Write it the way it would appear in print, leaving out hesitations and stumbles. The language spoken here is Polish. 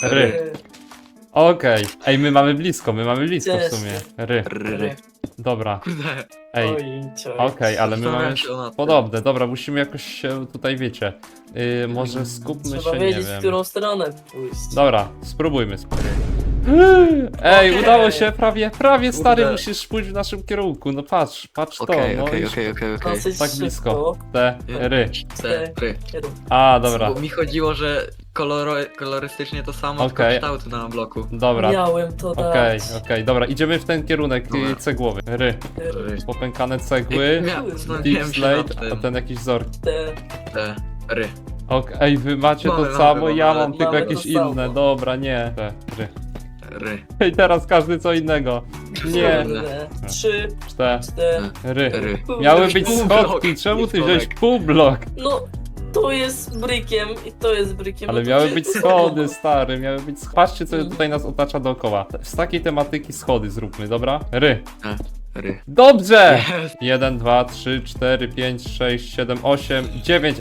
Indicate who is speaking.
Speaker 1: Ry. Okej. Ej, my mamy blisko w sumie. Ry.
Speaker 2: Ry.
Speaker 1: Dobra.
Speaker 2: Kurde.
Speaker 1: Ej,
Speaker 3: Oj,
Speaker 1: okej, ale my mamy
Speaker 2: Zastanawiam się nad tym.
Speaker 1: podobne. Dobra, musimy jakoś się tutaj, wiecie. Może skupmy
Speaker 3: trzeba
Speaker 1: się, nie
Speaker 3: wiedzieć, w
Speaker 1: wiem.
Speaker 3: którą stronę pójść.
Speaker 1: Dobra, spróbujmy. Ej,
Speaker 3: Okej.
Speaker 1: udało się, prawie stary,
Speaker 2: Kurde.
Speaker 1: musisz pójść w naszym kierunku. No patrz to,
Speaker 2: Okej,
Speaker 1: no
Speaker 2: okej,
Speaker 1: już
Speaker 2: okej.
Speaker 3: Dosyć
Speaker 1: tak
Speaker 3: szybko.
Speaker 1: blisko. Te, ry.
Speaker 2: Ry.
Speaker 3: Jeden.
Speaker 1: A, dobra,
Speaker 2: Bo mi chodziło, że kolorystycznie to samo,
Speaker 1: Okej.
Speaker 2: tylko kształt na bloku.
Speaker 1: dobra.
Speaker 3: Miałem to
Speaker 1: Okej,
Speaker 3: dać.
Speaker 1: dobra, idziemy w ten kierunek
Speaker 2: Dobra.
Speaker 1: cegłowy. Ry.
Speaker 2: Ry.
Speaker 1: Popękane cegły,
Speaker 2: Zastanawiałem
Speaker 1: deep
Speaker 2: się nad
Speaker 1: slate, a
Speaker 2: tym.
Speaker 1: ten jakiś wzór.
Speaker 3: Te.
Speaker 2: Ry.
Speaker 1: Okej, wy macie to
Speaker 2: Mamy,
Speaker 1: samo,
Speaker 2: mamy,
Speaker 1: ja
Speaker 2: mamy.
Speaker 1: mam tylko
Speaker 3: Mamy
Speaker 1: jakieś
Speaker 3: to samo.
Speaker 1: inne. Dobra, nie. Te, ry.
Speaker 2: Ry.
Speaker 1: I teraz każdy co innego. Nie,
Speaker 3: Kurde. 3, 4.
Speaker 1: cztery.
Speaker 2: Ry.
Speaker 1: Miały być
Speaker 2: Pół
Speaker 1: schodki,
Speaker 2: blok.
Speaker 1: czemu ty
Speaker 2: Nie
Speaker 1: wziąłeś
Speaker 2: schodek.
Speaker 1: pół blok?
Speaker 3: No, to jest brykiem i to jest brykiem.
Speaker 1: Ale
Speaker 3: no to
Speaker 1: miały
Speaker 3: gdzie-
Speaker 1: być schody, stary, miały być schody. Patrzcie, co tutaj nas otacza dookoła. Z takiej tematyki schody zróbmy, dobra? Ry.
Speaker 2: Ry.
Speaker 1: Dobrze!
Speaker 2: Jest.
Speaker 1: 1, 2, 3, 4, 5, 6, 7, 8, 9.